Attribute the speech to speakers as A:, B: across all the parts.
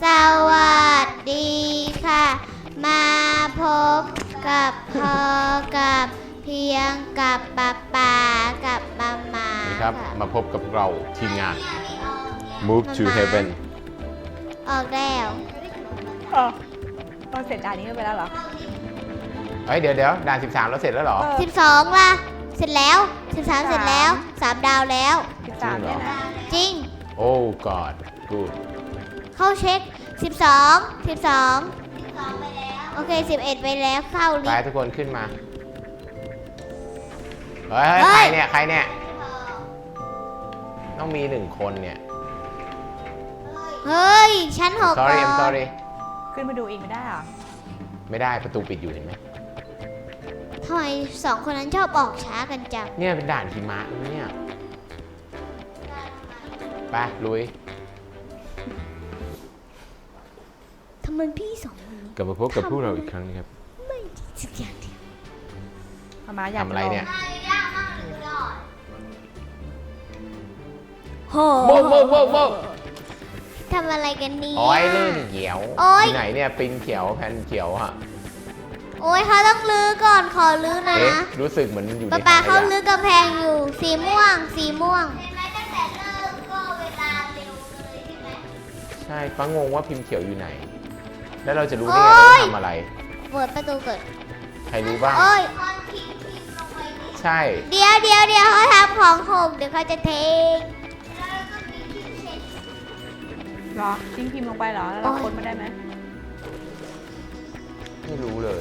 A: สวัสดีค่ะ มาพบกับพอกับเพียงกับป๊ากับมาม่า
B: นี่ครับ
A: ค่ะ
B: มาพบกับเราทีมงาน Move to Heaven
A: ออกแล้ว
C: เราเสร็จด่านนี้กันไปแล้วเหรอ
B: เฮ้ยเดี๋ยวด่าน 13 แล้วเสร็จแล้วเหรอ
A: 12ล่ะ เสร็จแล้ว 13 เสร็จแล้ว 3 ดาวแล้ว
C: 13เนี่ยนะ
A: จริง
B: โอ้ God good
A: เข้าเช็ค 12 โอเค 11 ไปแล้วเข้าลิ
B: ไป
A: ฟต์
B: ทุกคนขึ้นมา เฮ้ย
A: เฮ้
B: ใคร
A: ย
B: เนี่ย ใครเนี่ย ต้องมี1 คนเนี่ย
A: เฮ้ย ชั้น6
B: sorry
A: ก่
B: I'm
A: อน
B: sorry
C: ขึ้นมาดูอีกไม่ได้เหรอ
B: ไม่ได้ประตูปิดอยู่เห็นไหม
A: ทำไม2 คนนั้นชอบออกช้ากันจัง
B: เนี่ยเป็นด่านหิมะเนี่ยไปลุย
A: ทำไมพี่2 คนนี้
B: กลับมาพบกับพวกเราอีกครั้งนะครับ
A: ไม่ดีสักอย่างเดียว
C: มาอยาก
B: ทำอะไรเนี่ย
A: โห
B: โบ้โบ้โบ้โบ้
A: ทำอะไรกันเนี่ย
B: โอ้ยลื่นเขียว
A: โอ๊ย
B: ที่ไหนเนี่ยปินเขียวแผ่นเขียวฮะ
A: โอ้ยเขาต้องลื้อก่อนขอลื้อนะ
B: เอ๊ะรู้สึกเหมือนอยู่ใน
A: ป๊า
B: ถั
A: ป๊าง
B: ข
A: เขา
B: ยะ
A: ลื้อกำแพงอยู่สีม่วง สีม่วง
B: ใช่ป้างงว่าพิมพ์เขียวอยู่ไหน แล้วเราจะรู้ได้ไงว่าทำอะไร
A: เปิดประตูเกิด
B: ใครรู้บ้าง
A: โอ้ย
B: ใช่
A: เดี๋ยวเขาทำของหกเดี๋ยวเขาจะเท
C: เหรอทิ้งพิมพ์ลงไปเหรอ แล้วเรา
A: โอ๊ย
C: ค้นมาได้ไหม
B: ไม่รู้เลย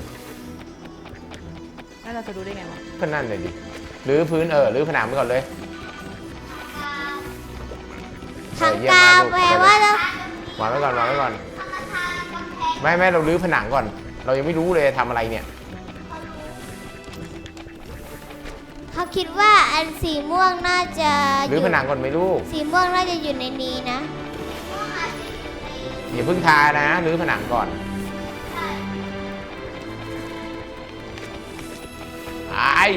C: แล้วเราจะรู้ได้ไงวะ
B: ก็นั่นเลยดิรื้อพื้นรื้อผนังไปก่อนเลย
A: ทางกาวแปลว่าแล้ว
B: วางไว้ก่อนวางไว้ก่อน ไม่เรารื้อผนังก่อน เรายังไม่รู้เลยทำอะไรเนี่ย
A: เขาคิดว่าอันสีม่วงน่าจะ
B: รื้อผนังก่อนไหมลูก
A: สีม่วงน่าจะอยู่ในนี้นะ
B: อย่าเพิ่งทานะรื้อผนังก่อนไอ้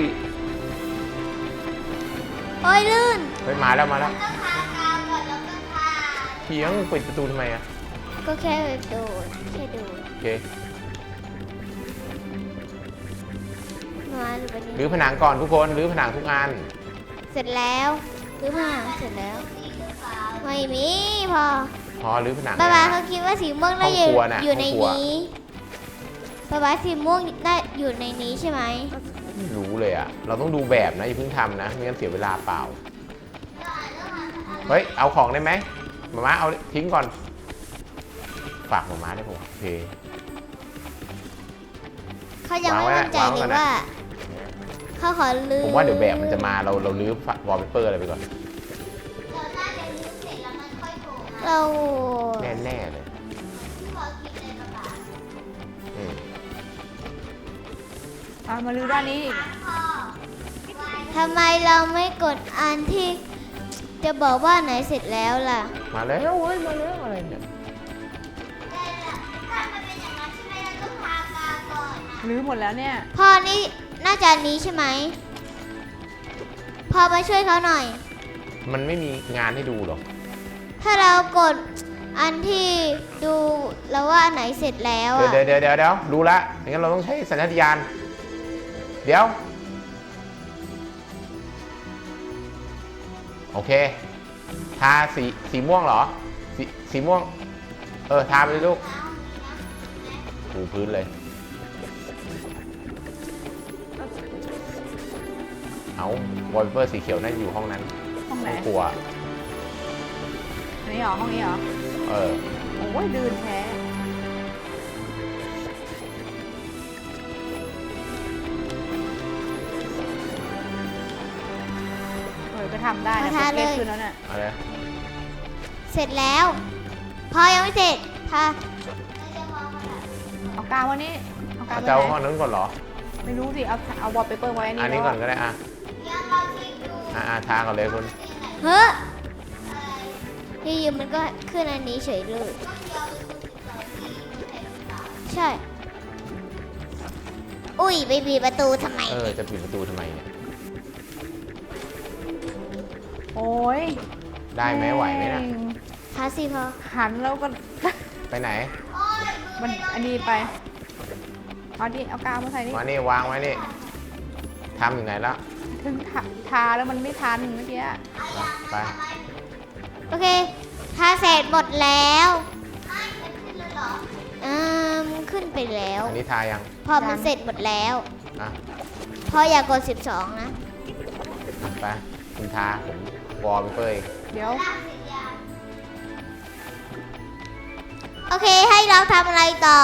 A: โอ้ยลื่น
B: เฮ้ยมาแล้วเพียงปิดประตูทำไมอะ
A: ก็แค่ดูแค่ดู
B: โอเค
A: มาดูไป
B: รื้
A: นี่
B: อผนังก่อนทุกคนรื้อผนังทุกอัน
A: เสร็จแล้วรื้อผนังเสร็จแล้ว ไม่มีพอ
B: พอรื้อผนัง
A: ป๊าป๊า
B: นะ
A: เขาคิดว่าสีม่วงน่า
B: ห้องครัวน่ะ
A: อยู่ใน
B: ห้องครัว
A: นี้ป๊าป๊าสีม่วงน่าอยู่ในนี้ใช่ไหม
B: ไม่รู้เลยอะเราต้องดูแบบนะอย่าเพิ่งทำนะไม่งั้นเสียเวลาเปล่า เฮ้ยเอาของได้ไหมหมาเอาทิ้งก่อน ฝากหมาได้ผมโอเค
A: เขายังไม่
B: วางไว้
A: มั่นใจ
B: วางไว้
A: เล
B: ก่
A: ย
B: อนนะ
A: ว่าเขาขอลื้อ
B: ผมว่าเดี๋ยวแบบมันจะมาเราลื้อวอลเปเปอร์อะไรไปก่อน
A: เรา
B: แน่เลยอืม
C: มาลื้อด้านนี้อีก
A: ทำไมเราไม่กดอันที่จะบอกว่าไหนเสร็จแล้วล่ะ
B: มาแล้วเฮ้ยมาแล้วอะไรเนี่ย
C: ลื้อหมดแล้วเนี่ย
A: พ่อนี่น่าจะอันนี้ใช่ไหมพ่อมาช่วยเขาหน่อย
B: มันไม่มีงานให้ดูหรอก
A: ถ้าเรากดอันที่ดูแล้วว่าอันไหนเสร็จแล้ว
B: เดี๋ยว
A: อะ
B: เดี๋ยวรู้ละงั้นเราต้องใช้สัญชาตญาณเดี๋ยวโอเคทาสีม่วงเหรอสีม่วงทาไปเลยลูกถูพื้นเลยเอาวอลเปเปอร์สีเขียวน่าจะอยู่ห้องนั้น
C: ห้องไหน
B: ห้องครัว
C: อันนี้เหรอ ห้องนี้เหรอ โอ้ยลื่นแท้ก็ทำได้นะเล็กขึ้นแล้วเนี่ย
B: อะไร
A: เสร็จแล้ว พอยังไม่เสร็จถ้า
C: เอากาววันนี้ เอากาว
B: เจ้า
C: ไว้
B: ห้อง
C: ไหน
B: นั้นก่อนเหรอ
C: ไม่รู้สิ เอาวอลเปเปอร์ไว้
B: อันนี้ก่อนก็ได้ทาก่อนเลยคุณ
A: เฮ้ยอยู่ๆมันก็ขึ้นอันนี้เฉยเลย ใช่ อุ้ยไปบีบประตูทำไม
B: จะปิดประตูทำไมเนี่ย
C: โอ้ย
B: ได้ไหมไหวไหมนะ
A: พาสิพอ
C: หันแล้วก็
B: ไปไหน
C: มันอันนี้ไป เอาดิเอากาวมาใส่นี่
B: มานี่วางไว้นี่ทำอยู่ไหนแล้ว
C: ถึงทาแล้วมันไม่ทันเมื่อกี้
B: ไป
A: โอเคทาเสร็จหมดแล้วขึ้นไปแล้ว
B: อันนี้ทายัง
A: พอมันเสร็จหมดแล้ว
B: อ่ะ
A: พออย่ากด 12 นะ
B: ไปคุณทาผมวอลเปอร์เอง
C: เดี๋ยว
A: โอเคให้เราทำอะไรต่อ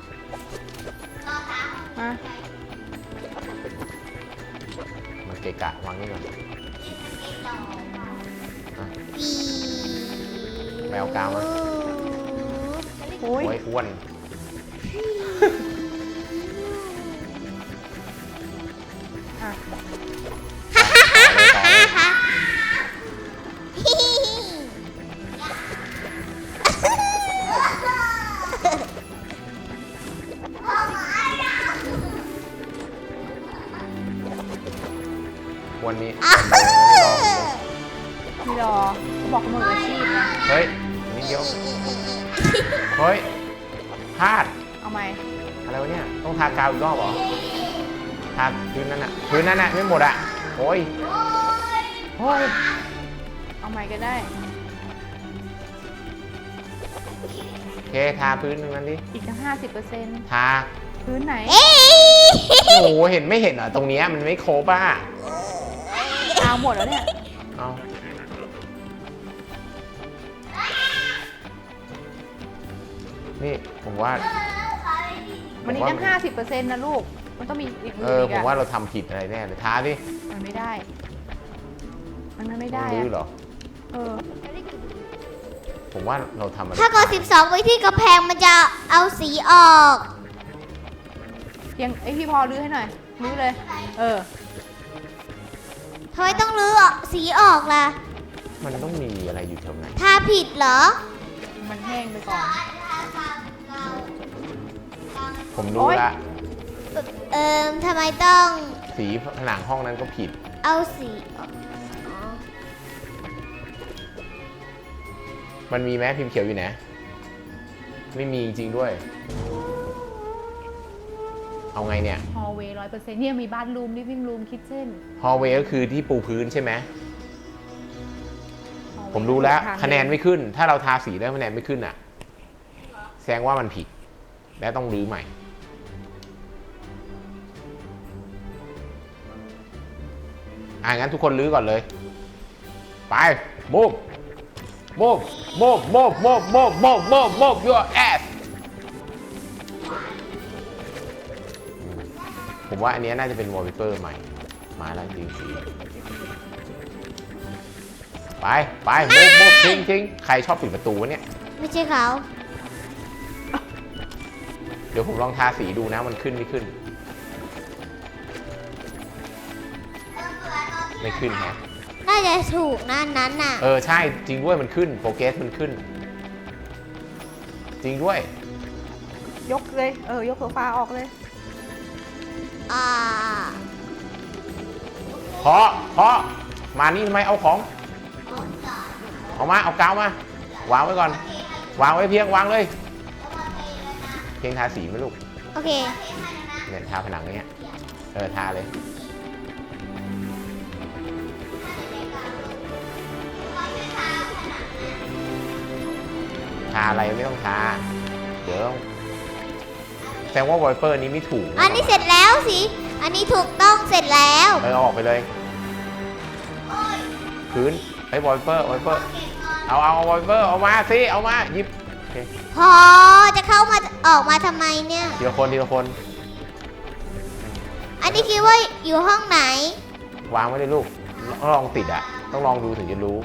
C: มา
B: มันเกะกะวางนี่ก่อนอ่ะ แมวกาวมา
C: โอ้ย
B: โอ้ยอ้วน
C: อ่ะ
B: วันนี้
C: พี่รอเขาบอกมืออาชีพนะ
B: เฮ้ยนิดเดียวเฮ้ยพลาด
C: เอาไหม
B: อะไรวะเนี่ย ต้องทากาวอีกรอบเหรอ ทาพื้นนั้นอะพื้นนั้นอะไม่หมดอะโอ้ยโอ้ย
C: เอาไหมก็ได้
B: โอเค ทาพื้นตรงนั้นดิ
C: อีกตั้ง50%
B: ทา
C: พื้นไหน
A: เอ้ย
B: โอ้โห เห็นไม่เห็นเหรอ ตรงเนี้ยมันไม่ครบอ่ะ
C: เอาหมดแล้วเนี่ย
B: เอานี่ผมว่า
C: มันอีกตั้ง50%นะลูก มันต้องมีอีกมื
B: เอ
C: อ
B: อ
C: อีก
B: ผม
C: อะ
B: ว่าเราทำผิดอะไรแน่เลยทาดิ
C: มันไม่ได้ มันไม่ได้
B: ลื้อเหร
C: อะ
B: อ
C: เออ
B: ผมว่าเราทำอะไร
A: ถ้ากด 12 ไว้ที่กระแพงมันจะเอาสีออก
C: ยังไอพี่พอรื้อให้หน่อยรื้อเลย เออ
A: ทำไมต้องรื้อสีออกล่ะ
B: มันต้องมีอะไรอยู่แถวไหน
A: ทาผิดเหรอ
C: มันแห้งไปก่อน
B: ผมรู้
C: โอ๊ย
B: ละ
A: ทำไมต้อง
B: สีผนังห้องนั้นก็ผิด
A: เอาสีออก
B: มันมีไหมพิมพ์เขียวอยู่ไหน ไม่มีจริงด้วย เอาไงเนี่ย
C: ฮอลเวย์100%เนี่ยมีบ้านรูมลิฟวิ่งรูมคิทเช่น
B: ฮอลเวย์ก็คือที่ปูพื้นใช่ไหม ผมรู้แล้วคะแนนไม่ขึ้น ถ้าเราทาสีแล้วคะแนนไม่ขึ้นอ่ะ แสดงว่ามันผิด และต้องรื้อใหม่ งั้นทุกคนรื้อก่อนเลย ไปมูฟมูฟมูฟมูฟมูฟมูฟมูฟมูฟมูฟ your ass ผมว่าอันนี้น่าจะเป็นวอลเปเปอร์ใหม่ มาแล้วจริงสีไปมูฟมูฟทิ้งใครชอบปิดประตูวะเนี่ย
A: ไม่ใช่เขา
B: เดี๋ยวผมลองทาสีดูนะมันขึ้นไม่ขึ้น ไม่ขึ้นฮะ
A: น่าจะถูกนะอันนั้นน่ะ
B: ใช่จริงด้วยมันขึ้นโปรเกรสมันขึ้น จริงด้วย
C: ยกเลย ยกโซฟาออกเลย
B: เพราะมานี่ทำไมเอาของเอามาเอากาวมาวางไว้ก่อน วางไว้เพียงวางเลย เพียงทาสีไหมลูก
A: โอเค
B: เนี่ยทาผนังเนี้ยทาเลยทาอะไรไม่ต้องทาเดี๋ยวแสดงว่าวอลเปอร์นี้ไม่ถูก
A: อันนี้เสร็จแล้วสิอันนี้ถูกต้องเสร็จแล้ว
B: เอาออกไปเลยพื้นไอ้วอลเปอร์เอาวอลเปอร์เอามาสิเอามาหยิบโอเค
A: พอจะเข้ามาออกมาทำไมเนี่ย
B: ทีละคน
A: อันนี้คิดว่าอยู่ห้องไหน
B: วางไว้เลยลูกต้องลองติดอ่ะต้องลองดูถึงจะรู้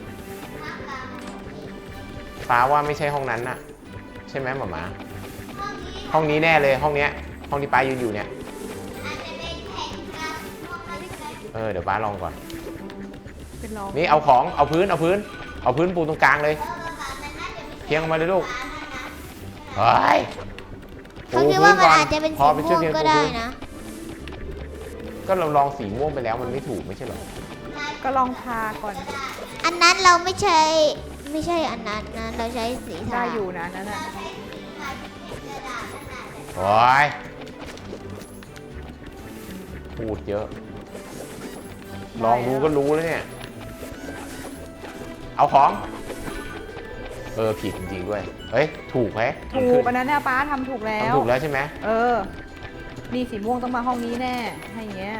B: ฟ้าว่าไม่ใช่ห้องนั้นน่ะใช่ไหมหมาห้องนี้แน่เลยห้องเนี้ยห้องที่ป้ายืนอยู่เนี่ยเดี๋ยวป้าลองก่อน
C: เป็นรอง
B: นี่เอาพื้นปูตรงกลางเลยเพียงออกมาเลยลูกเฮ้ย
A: เขาคิดว่ามันอาจจะเป็นสีม่วงก็ได้นะ
B: ก็เราลองสีม่วงไปแล้วมันไม่ถูกไม่ใช่เหรอ
C: ก็ลองทาก่อน
A: อันนั้นเราไม่ใช่ไม่ใช่อันนั้นนะ เราใช้สีทา
C: ได้อยู่นะนั่นน่ะ
B: โอ้ยพูดเยอะ ลองดูก็รู้แล้วเนี่ย เอาของ ผิดจริงๆด้วย เฮ้ย ถูกไหม
C: ถูกอันนั้นเนี่ยป้าทำถูกแล้ว
B: ทำถูกแล้วใช่ไหม
C: นี่สีม่วงต้องมาห้องนี้แน่ให้อย่างเงี้ย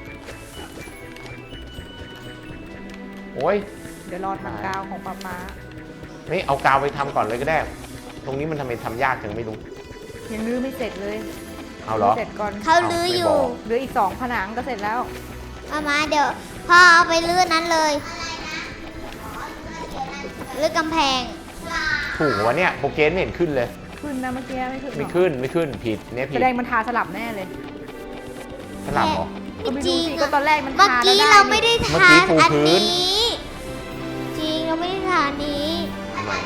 B: โอ้ย
C: เดี๋ยวรอทำกาวของป้า
B: ไม่เอากาวไปทำก่อนเลยก็ได้ ตรงนี้มันทำไมทำยากจังไม่รู้
C: ยังรื้อไม่เสร็จเลย
B: เอาเหรอ
C: เสร็จก่อน
A: เขาลื้ออยู่
C: เหลืออีก2ผนังก็เสร็จแล้ว
A: มาเดี๋ยวพ่อเอาไปลื้อนั้นเลยลื้อกำแพง
B: ถูกวะเนี่ยโปรเกรสไม่เห็นขึ้นเลย
C: ขึ้นนะเมื่อกี้ไม่ขึ้นหรอ
B: ไม่ขึ้น ผิดเนี่ยผิ
C: แส
B: ด
C: ดงมันทาสลับแน่เลย
B: สลับเหรอ
C: ก็ไม่
A: จริ
C: รู้
A: ง
C: สิ
A: อะ
C: ก็ตอนแรกมัน
A: เมื่อ
C: ทา
A: กี้
C: แล้ว
A: เราไม่ได้
B: เมื่อ
A: ทา
B: กี้ปู
A: อัน
B: พื้น
A: นี้ จริงเราไม่ได้ทาอันนี้
B: ทำไม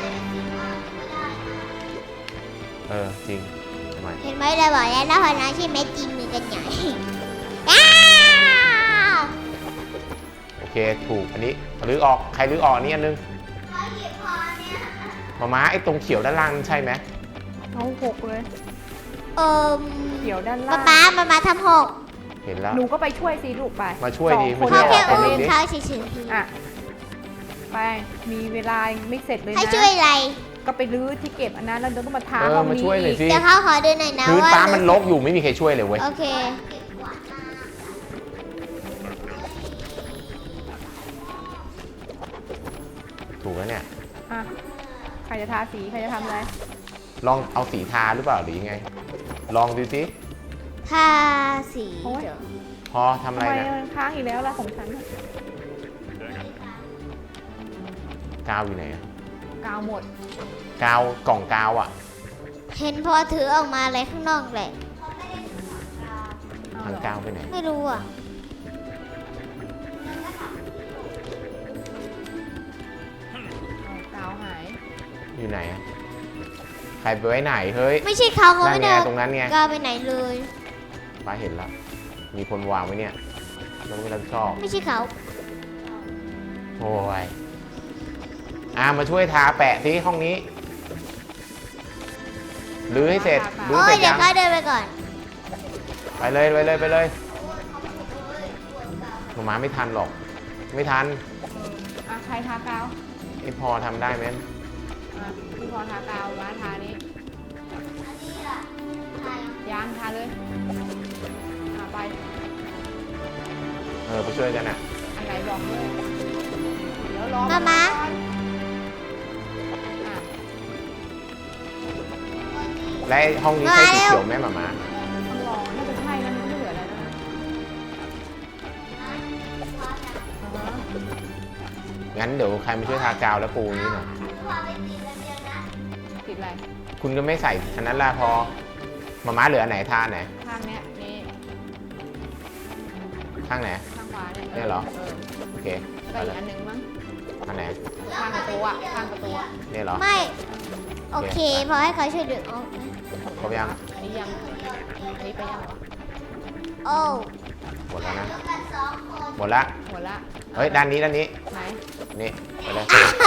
B: จริงทำไม
A: เห็นไหมเราบอกแล้วพอนะใช่ไหมจริงมือกันใหญ่ อ้าว
B: โอเค ถูก อันนี้รื้อออก ใครรื้อออกอันนี้อันนึงมาไอ้ตรงเขียวด้านล่างนั่นใช่ไหม
C: เอา6เลย เขียวด้านล่าง
A: ป๊าทำหก
B: เห็นแล้ว
C: หนูก็ไปช่วยสิลูกไป
B: มาช่วยดี
C: 2 คน
B: มา
A: เขา
B: ช่วย
A: แค่
B: ออก
A: อุ้ม
B: ดิ
A: เขาเฉย
C: อ่ะไปมีเวลาไม่เสร็จเลย
A: ๆให้
C: นะ
A: ช่วยอะไร
C: ก็ไปรื้อที่เก็บอันนั้นแล้วเดี๋ยวก็มาทา
B: เออ
C: ห้อง
B: มา
C: นี้
B: ช่วยหน่อย
C: อีก
B: สิ
A: เดี๋ยวเขาขอดูหน่อยนะ
B: พื้น
A: ว่า
B: ฟ้ามันรกอยู่ไม่มีใครช่วยเลยเว้ย
A: โอเค
B: ถูกแล้วเนี่ย
C: อ่ะใครจะทาสีใครจะทำอะไร
B: ลองเอาสีทาหรือเปล่าหรือยังไง ลองดูสิ
A: ทาสี
C: โอ๊ย
A: เดี๋ยว
B: พอทำ
C: ทำ
B: อะไร
C: ไม
B: นะ
C: มันค้างอีกแล้วล่ะของฉันน่ะ
B: กาวอยู่ไหนอะ
C: กาวหมด
B: กาวกล่องกาวอ่ะ
A: เห็นพอถือออกมาอะไรข้างนอกแหละ
C: เอา
B: ทาง
C: เหรอ
B: กาวไปไหน
A: ไม่รู้อ่ะ
C: เอากาวหาย
B: อยู่ไหนอะใครไปไว้ไหนเฮ้ย
A: ไม่ใช่เขาเขา
B: นั่น
A: ไม่
B: ไง
A: ได้เอา
B: ตรงนั้นไง
A: กาวไปไหนเลย
B: ป้าเห็นแล้ว มีคนวางไว้เนี่ยเราไม่รับผิดชอบ
A: ไม่ใช่เขา
B: โอ้ยมาช่วยทาแปะที่ห้องนี้รื้อให้เสร็จรื้อ
A: โอ้
B: เส
A: ย
B: ร็จ
A: เดี๋ย
B: ยั
A: ว
B: ง
A: เขาเดินไปก่อน
B: ไปเลยหนูมาไม่ทันหรอก ไม่ทัน
C: อ่ะใครทากาว
B: ไอพอทำได้ไหม
C: อ่ะพี่พอทากาวมาทานี้ยางทาเลยอ่ะไป
B: ไปช่วยกันอ่ะ
C: อันไหนบอกเลยเดี๋ยวรอ
A: มามา
C: ก่อนอ่ะ
B: และไอ้ห้องนี้ใช่สีเขียวไหมหมา
C: ต้องรอน่าจะใช่นะมันไม่เหลืออะไรแล้วนะอ่าฮะ
B: งั้นเดี๋ยวใครมาช่วยทากาวแล้วปูนี้หน่อย
C: ติดอะไร
B: คุณก็ไม่ใส่อันนั้นละพอหมาเหลืออันไหนทาไหน
C: ข้างเนี้ยนี่
B: ข้างไหน
C: ข้างขวาเนี่ย
B: เนี่ยเหรอ โอเค
C: ก็
B: ไป
C: อี
B: เล
C: ก
B: ย
C: อันหนึ่งมั้ง
B: อันไหน
C: ข้างประตูอ่ะข้างประตูอ่ะ
B: เนี่ยเหรอ
A: ไม่ โอเค พอให้เขาช่วยดึงออก
B: ครบยัง
C: อันนี้ยังอันนี้ไปยังเหรอ
A: โอ้
B: หมดแล้วนะ หมดละ
C: หมดละ
B: เฮ้ย ด้านนี้
C: ไหน
B: นี่ ไปเลย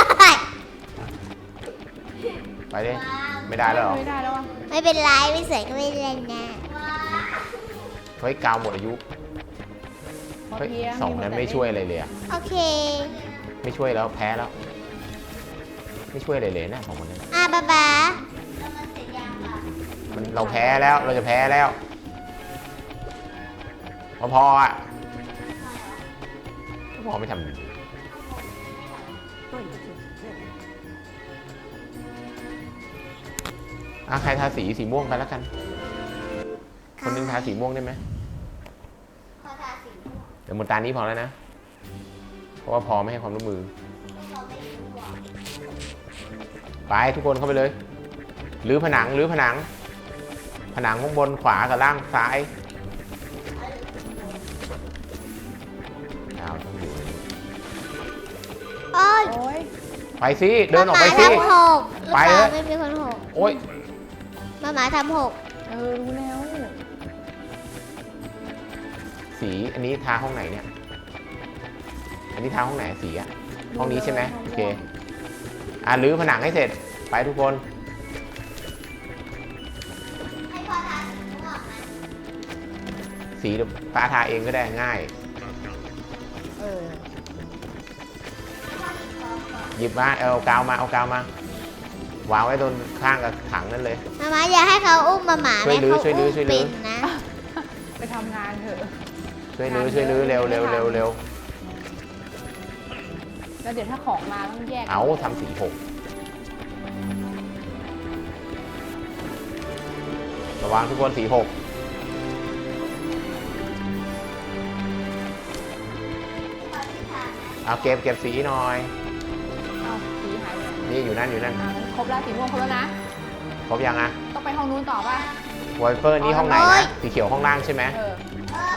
B: ไปดิ ไม่ได้แล้วเหรอ
C: ไม่ได้แล้วอ่ะ
A: ไม่เป็นไรไม่สวยก็ไม่เป็นไรนะ
B: เฮ้ย กาวหมดอายุ
C: พอ
B: เฮ้ย
C: เพียง
B: สองนั้นไม่ช่วยอะไรเลยอะ
A: โอเค
B: ไม่ช่วยแล้วแพ้แล้ว ไม่ช่วยอะไรเลยนะสองคนนั้น
A: บ๊า
B: มันเราแพ้แล้ว เราจะแพ้แล้ว พออ่ะพอไม่ทำใครทาสีม่วงไปแล้วกัน คนหนึงทาสีม่วงได้ไหม เดี๋ยวหมดตานี้พอแล้วนะ เพราะว่าพอไม่ให้ความร่วมมือ ไปทุกคนเข้าไปเลยรื้อผนังผนังข้างบนขวากับล่างซ้ายดาวต้องอยู่ในนี้
A: โอ้ย
C: โอ้ย
B: ไปสิเดินออกไปสิ
A: ทำหก
B: ไป
A: หรือ
B: เถ
A: เป
B: อะ
A: ล่าไม่มีคนหก
B: โอ๊ย
A: หมาทำหก
C: รู้แล้ว
B: สีอันนี้ทาห้องไหนเนี่ย อันนี้ทาห้องไหนสีอะห้องนี้ใช่ไหมโอเครื้อผนังให้เสร็จไปทุกคนสีป้าทาเองก็ได้ง่าย
C: เออ
B: หยิบมาเอากาวมาวางไว้ตรงข้างกับถังนั่นเลย
A: มาอย่าให้เขาอุ้มหมา
B: ช่วยลื้อ
A: เขา
B: ช่วยลื้
A: อุ้
B: อ
A: ม
B: ช่วยลื้อ
A: เป็นนะ
C: ไปทำงานเถอะ
B: ช่วยลื้อเร็วแล้วเ
C: ดี๋ยวถ้าของมาต้องแยก
B: เอาทำสีหกระวังทุกคนสีหกเอาเก็บสีหน่อย
C: เอาสีหายไปไหน
B: นี่อยู่นั่น
C: ครบแล้วสีม่วงครบแล้วนะ
B: ครบยังอะ
C: ต้องไปห้องนู้นต่อป่ะ
B: วอลเปอร์นี่ห้องไหนนะสีเขียวห้องล่างใช่ไหม
C: เออ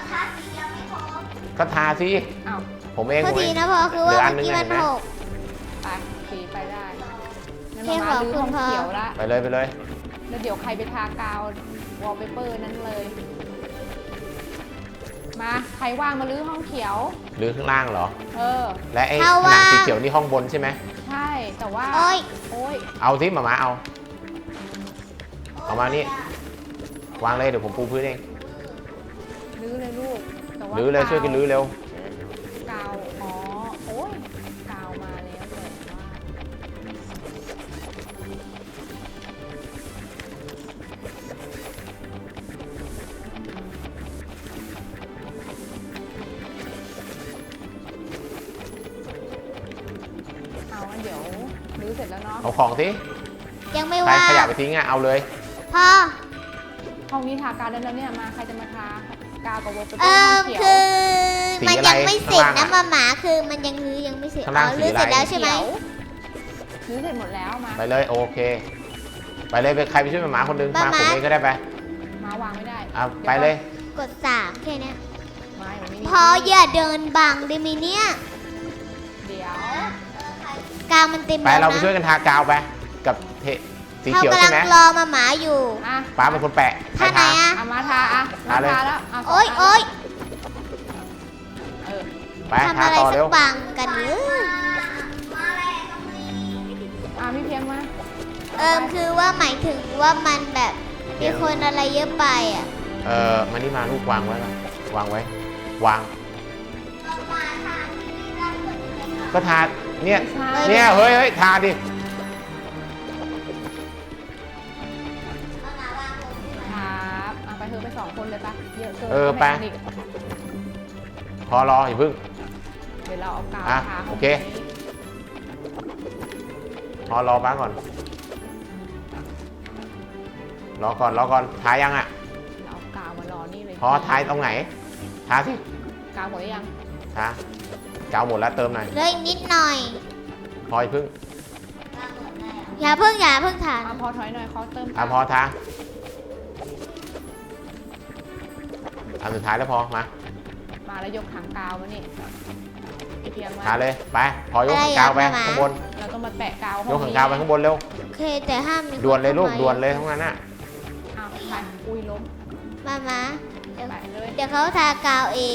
B: ก็ทาสิ
C: อ้าว
B: ผมเอง
A: โทษทีนะพอคือว่าเมื่อกี้มันหก
C: ไปสีไปได้งั้น
A: เพียง
C: มา
A: ขอบ
C: ลื้อ
A: คุณ
C: ห้อง
A: พอ
C: เขียวละ
B: ไปเลย
C: แล้วเดี๋ยวใครไปทากาววอลเปเปอร์นั้นเลย มาใครว่างมาลื้อห้องเขียว
B: หรือข้างล่างเหรอ
C: เออ
B: และไอ้ผนังสีเขียวนี่ห้องบนใช่ไหม
C: ใช่แต่ว่า
A: โอ้ย
C: โอ้ย
B: เอาสิหมาเอามานี่วางเลยเดี๋ยวผมปูพื้นเอง
C: ลื้อเลยลูกแต่ว่า
B: รื้อเลยช่วยกันรื้อเร็ว
C: กาวอ๋อโอ้ยกาวมาแล้วแต่ว่าเอางั้นเดี๋ยวรื้อเสร็จแล้วเนาะ
B: เอาของสิ
A: ยังไม่
B: ใคร
A: ว่า
B: ขยะไปทิ้งอะเอาเลย
A: พอ
C: ห้องนี้ทากาวได้แล้วเนี่ยมาใครจะมาทากาวกับวอลเปเปอร์
A: เอ
C: ห้
A: อ
C: องเขียว
A: คือ
B: สี
A: มัน
B: อะไร
A: ยังไม่เสร็จ
B: ข้างล่าง
A: นะ
B: อะ
A: หมาคือมันยังรื้อยังไม่เสร็จ
B: ข้างล่าง
A: รื้อ
B: สีอะไร
A: เสร็จแล้วใช่ไหม
C: รื้อเสร็จหมดแล้วมา
B: ไปเลยโอเคไปเลยไปใครไปช่วยหมาคนนึงมาผมเองก็ได้ไป
C: มาวางไม่ได้
B: เอาไปเลย
A: กด3แค่เนี้ย
C: ไม่มันไม่มี
A: พออย่าเดินบังได้ไหมเนี่ย
C: เดี๋ยว
A: กาวมันเต็ม
B: ไป
A: แล้ว
B: เราไปช่วย
A: นะ
B: กันทากาวไปกับสี
A: เขา
B: เขียว
A: กำ
B: ใช่
A: ลัง
B: ไหม
A: รอหมาอยู่
C: อ่ะ
B: ป้าเป็นคนแปะใคร
A: ท่าไหน
B: ทา
A: อะ
C: เอามาทาอ่ะมา
B: ทาเลย
C: ทาแล้วเอาสง
A: โอ๊ย
C: น
A: โอ๊ย
C: เออ
B: ไป
A: ทำ
B: ทา
A: อะไร
B: ต่อ
A: สั
B: เร็
A: ก
B: ว
A: บังกันเลย
C: พี่เพียงมา
A: คือว่าหมายถึงว่ามันแบบมีคนอะไรเยอะไปอ่ะ
B: มานี่มาลูกวางไว้ละวางไว้วางก็ทาเนี่ยเฮ้ยทาดิ
C: ครับเอาไปเธอไป2 คนเลยปะเยอะเกิน
B: ไป
C: ม่อีก
B: พอรออย่าพึ่ง
C: เดี๋ยวเราเอากาว
B: อ่ะ
C: ทา
B: โอเค พอรอป้าก่อนรอก่อนทายังอ่ะ
C: เราเอากาวมารอนี่เลย
B: พอทายตรงไหนทาสิ
C: กาวหมดหรือยัง
B: ทากาวหมดแล้วเติมหน่อย
A: เลยนิดหน่อย
B: พออย่าพึ่ง
A: อย่าเพิ่งทาน
C: เอาพอถอยหน่อยขอเติม
B: พอทาอันสุดท้ายแล้วพอมา
C: มาแล้วยกถังกาวมานี่พี่เพียงมา
B: ทาเลยไปพอยกถังกาวไปข้างบน
C: เราต้องมาแปะกาวห้อง
B: ยกถังกาวไปข้างบนเร็ว
A: โอเคแต่ห้ามมี
B: ด่วนเลยลูก
A: ข้ามา
B: ด่วนเลยทั้งนั้นน่ะ
C: อ้าวใครอุ้ยล้ม
A: มาเดี๋ยว
C: แปะเลย
A: เดี๋ยวเขาทากาวเอง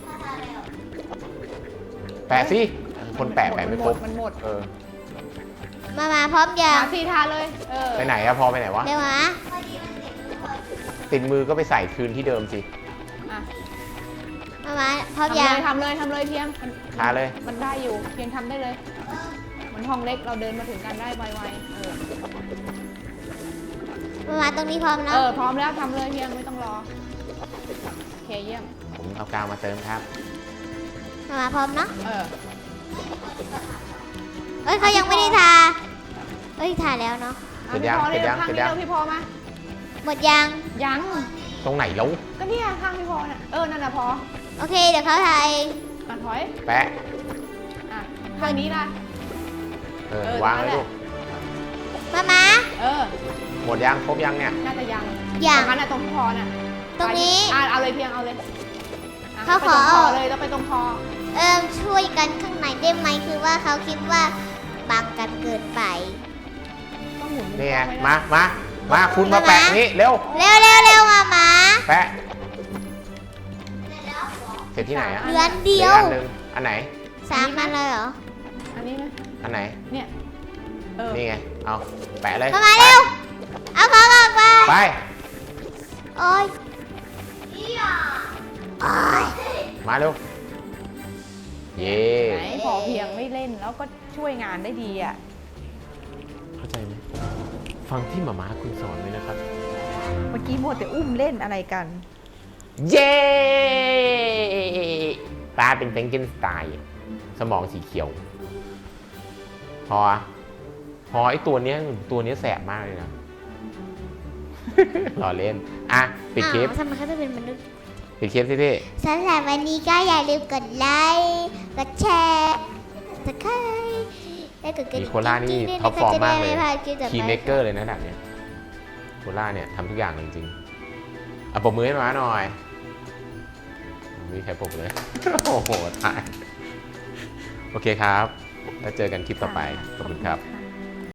B: แปะสิคนแปะไม่ครบ
C: มันหมด
A: มาพร้อมยัง
C: มาสีทาเลย
B: ไปไหนอะพอไปไหนวะ
A: เดี๋ยวมา
B: ติดมือก็ไปใส่คืนที่เดิมสิ
C: อ่ะ
A: พร้อมยัง
C: ทำเลยเพียง
B: ทาเลย
C: มันได้อยู่เพียงทำได้เลย มันห้องเล็กเราเดินมาถึงกันได้ไวๆ
A: มาตรงนี้พร้อมแล้ว
C: พร้อมแล้วทำเลยเพียงไม่ต้องรอโอเคเยี่ยม
B: ผมเอากาวมาเติมครับ
A: มาพร้อมเนาะ
C: เออ
A: เอ้ยเขายังไม่ได้ทาทาแล้วเนาะ
B: เสร็จยัง
C: พี่พอเลย
B: เสร็จยัง
C: ข้าง
B: เสร็จ
C: นี้
B: ยัง
C: เราพี่พอมา
A: หมดยัง
C: ยัง
B: ตรงไหนแล้ว
C: ก็เนี่ยข้างพี่พอน่ะนั่นน่ะพอ
A: โอเคเดี๋ยวเขาทาเอง
C: ถอย
B: แปะ
C: ข้างนี้ล่ะ
B: วางเลยลูก
A: มา
B: หมดยังครบยังเนี่ย
C: น่าจะยัง
A: อย่าง
C: ตรงนั้นน่ะตรงพี่พอน่ะ
A: ตรงนี้
C: เอาเลยเพียงเอาเลย
A: เขาขอ
C: ไปตรงคอเลยเราไปตรงคอ
A: ช่วยกันข้างในได้ไหมคือว่าเขาคิดว่าบังกันเกินไป
C: ต้องหมุน
B: นี่ไง
C: ไว้ะ
B: มาคุณมาแปะนี่เร็ว
A: เร็วมา
B: แปะเสร็จที่ไหนอะ
A: เหลืออันเดียว
B: หลืออันหนึ่งอันไหน
A: 3 อันเลยเหรอ
C: อันนี้ไหม
B: อันไหน
C: เนี่ย
B: นี่ไง เอาแปะเลย
A: มาเร็ว เอาของออกมา
B: ไป
A: โอ้ยโอ้ย
B: มาเร็ว เย่
C: ไหนพอเพียงไม่เล่นแล้วก็ช่วยงานได้ดีอ่ะ
B: เข้าใจไหมฟังที่หมาคุณสอนไว้นะครับ
C: เมื่อกี้มัวแต่อุ้มเล่นอะไรกัน
B: เย้ปลาเป็นแฟรงเกนสไตน์สมองสีเขียว พอไอตัวเนี้ยแสบมากเลยนะ รอเล่น อ่ะ ปิดคลิป
A: อ้าวทำไมเขาจะเป็นมนุษย์
B: ปิดคลิปสิพี่
A: สำหรับวันนี้ก็อย่าลืมกดไลค์กดแชร์กดไลค์และกดกระ
B: มี
A: ดิ่ง
B: โคล่านี่
A: กิ๊งๆ
B: ท็อปฟอร์มมากเลย
A: จะได้ไพลาดคลิปต่อไป
B: คีย์เมกเกอร์เลยนะแบบเนี้ยโคล่าเนี่ยทำทุกอย่างจริงๆอ่ะปรบมือให้มาหน่อยมีใครปรบเลย โอ้โหตาย โอเคครับ แล้วเจอกันคลิปต่อไป ขอบคุณครับ
C: ค่ะ